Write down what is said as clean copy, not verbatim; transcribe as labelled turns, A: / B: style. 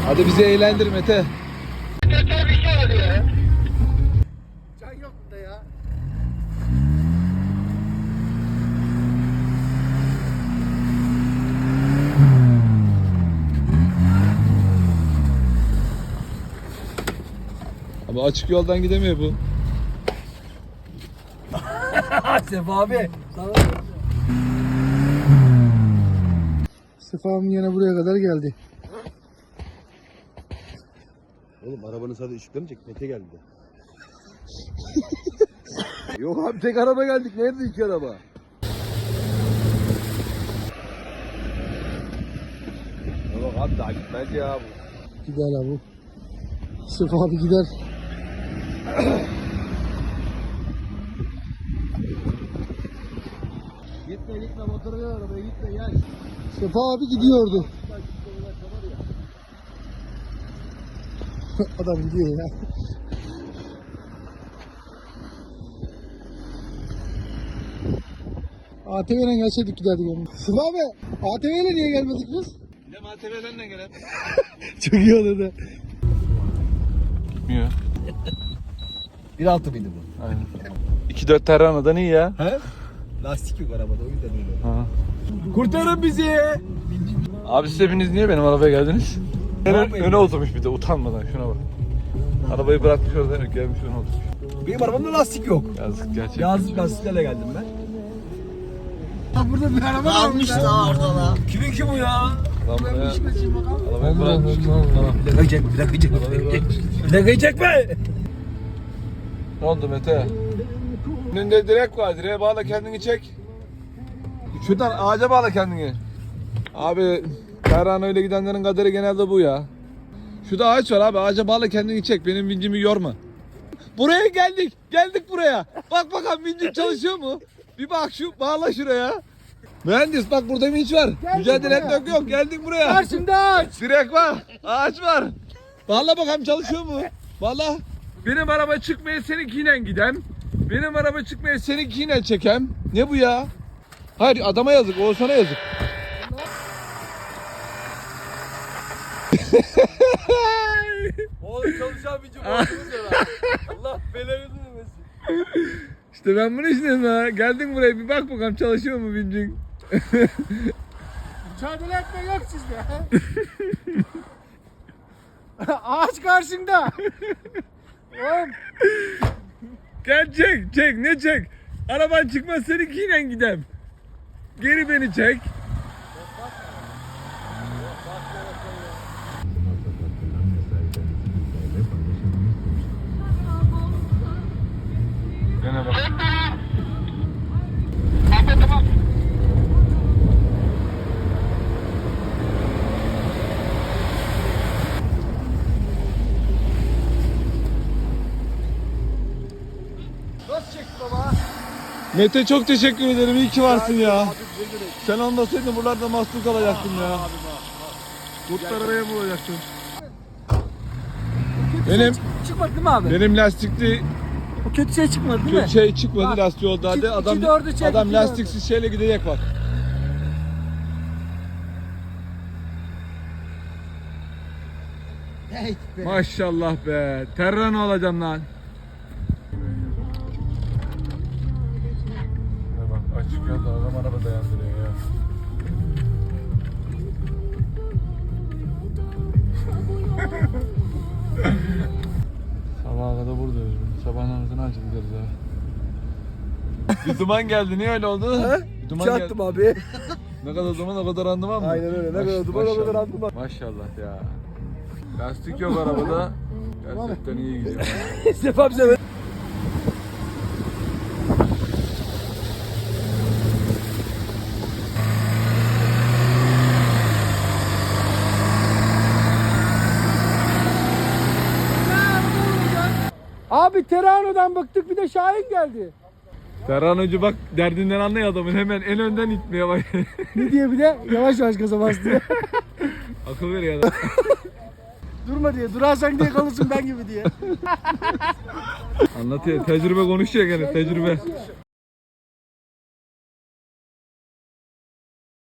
A: Hadi bizi eğlendir Mete.
B: Can yok burada ya.
A: Ama açık yoldan gidemiyor bu.
B: Sefa abi. Sefa'm yine buraya kadar geldi.
C: Oğlum arabanın sadece ışıkları mı çek? Mete geldi de.
A: Yok abi tek araba geldik. Nerede iki araba?
C: Yok abi daha gitmez ya bu.
B: Gider abi. Sefa abi gider.
C: Gitme motoru ver arabaya gitme gel.
B: Sefa abi gidiyordu. Adam gidiyor ya. ATV'yle gelseydik giderdik yani. Sefa abi ATV'yle niye gelmedik biz?
A: Bir de ATV'den de gelen.
B: Çok iyi olurdu.
A: Gitmiyor.
C: 1.6 mıydı bu?
A: Aynen. 2.4 Terrana'dan iyi ya.
C: He? Lastik yok arabada o yüzden öyle.
A: Ha.
C: Kurtarın bizi.
A: Abi siz hepiniz niye benim arabaya geldiniz? Öne oturmuş bir de utanmadan şuna bak. Arabayı bırakmış orada gelmiş öne oturmuş.
C: Benim arabamda lastik yok.
A: Yazık gerçekten.
C: Yazlık lastiklerle geldim ben.
B: Burada bir araba
D: Almış da orada la.
C: Kimin ki bu ya?
A: Lan buraya arabayı bırakmış.
C: Plakayı çekme, plakayı çekme. Plakayı çekme.
A: Ne oldu Mete? Önünde direk var. Direğe bağla kendini çek. Şuradan ağaca bağla kendini. Abi Terran öyle gidenlerin kaderi genelde bu ya. Şurada ağaç var abi. Ağaca bağla kendini çek. Benim vincimi yorma. Buraya geldik. Geldik buraya. Bak bakalım vincim çalışıyor mu? Bir bak şu bağla şuraya. Mühendis bak burada vinç var. Mücadele etmek yok. Geldik buraya.
B: Karşımda aç.
A: Direk var. Ağaç var. Bağla bakalım çalışıyor mu? Bağla. Benim araba çıkmaya seninkiyle gidem. Benim araba çıkmaya seninkiyle çekem. Ne bu ya? Hayır adama yazık. Oğuzhan'a yazık.
C: Oğlum çalışan bir cumhurbaşkanı ya. Allah belanı vermesin.
A: İşte ben bunu istedim ha. Geldin buraya bir bak bakalım çalışıyor mu vincin?
B: Mücadele etme yok sizde. Ağaç karşında. Oğlum.
A: Gel çek çek ne çek? Araban çıkmaz seninkiyle gidem. Geri beni çek. Gene bak.
C: Nasıl çekti baba?
A: Mete çok teşekkür ederim. İyi ki varsın ya. Sen olmasaydın buralarda mahsur kalacaktım ya. Kurtlar araya bulacaktım. Benim
B: Çıkmadı değil mi abi?
A: benim lastikli
B: O kötü şey çıkmadı değil mi?
A: kötü şey çıkmadı
B: Bak,
A: lastiği oldu hadi.
B: iki
A: Adam
B: dördü çek,
A: adam
B: iki
A: lastiksiz şeyle gidecek bak.
B: Hey be.
A: Maşallah be. Terran olacağım lan. Bak açık yolda adam araba dayandırıyor ya. Sabaha kadar buradayız. Sabah namazını açıp gideriz ha. Bir duman geldi. Niye öyle oldu? Bir duman geldi.
C: Çaktım abi.
A: Ne kadar duman o kadar randıman mı?
C: Aynen öyle. Ne kadar duman o kadar randıman.
A: Maşallah ya. Lastik yok arabada. Gerçekten iyi gidiyor.
C: Sefa bize ver.
B: Abi Terano'dan bıktık bir de Şahin geldi.
A: Ferhan Hoca bak derdinden anlıyor adamın. Hemen en önden itmeye bak.
B: Ne diye bir de yavaş yavaş gaza bas diye.
A: Akıl veriyor adam.
B: Durma diye. Durarsan diye kalırsın ben gibi diye.
A: Anlatıyor. Tecrübe konuşuyor gene. Tecrübe.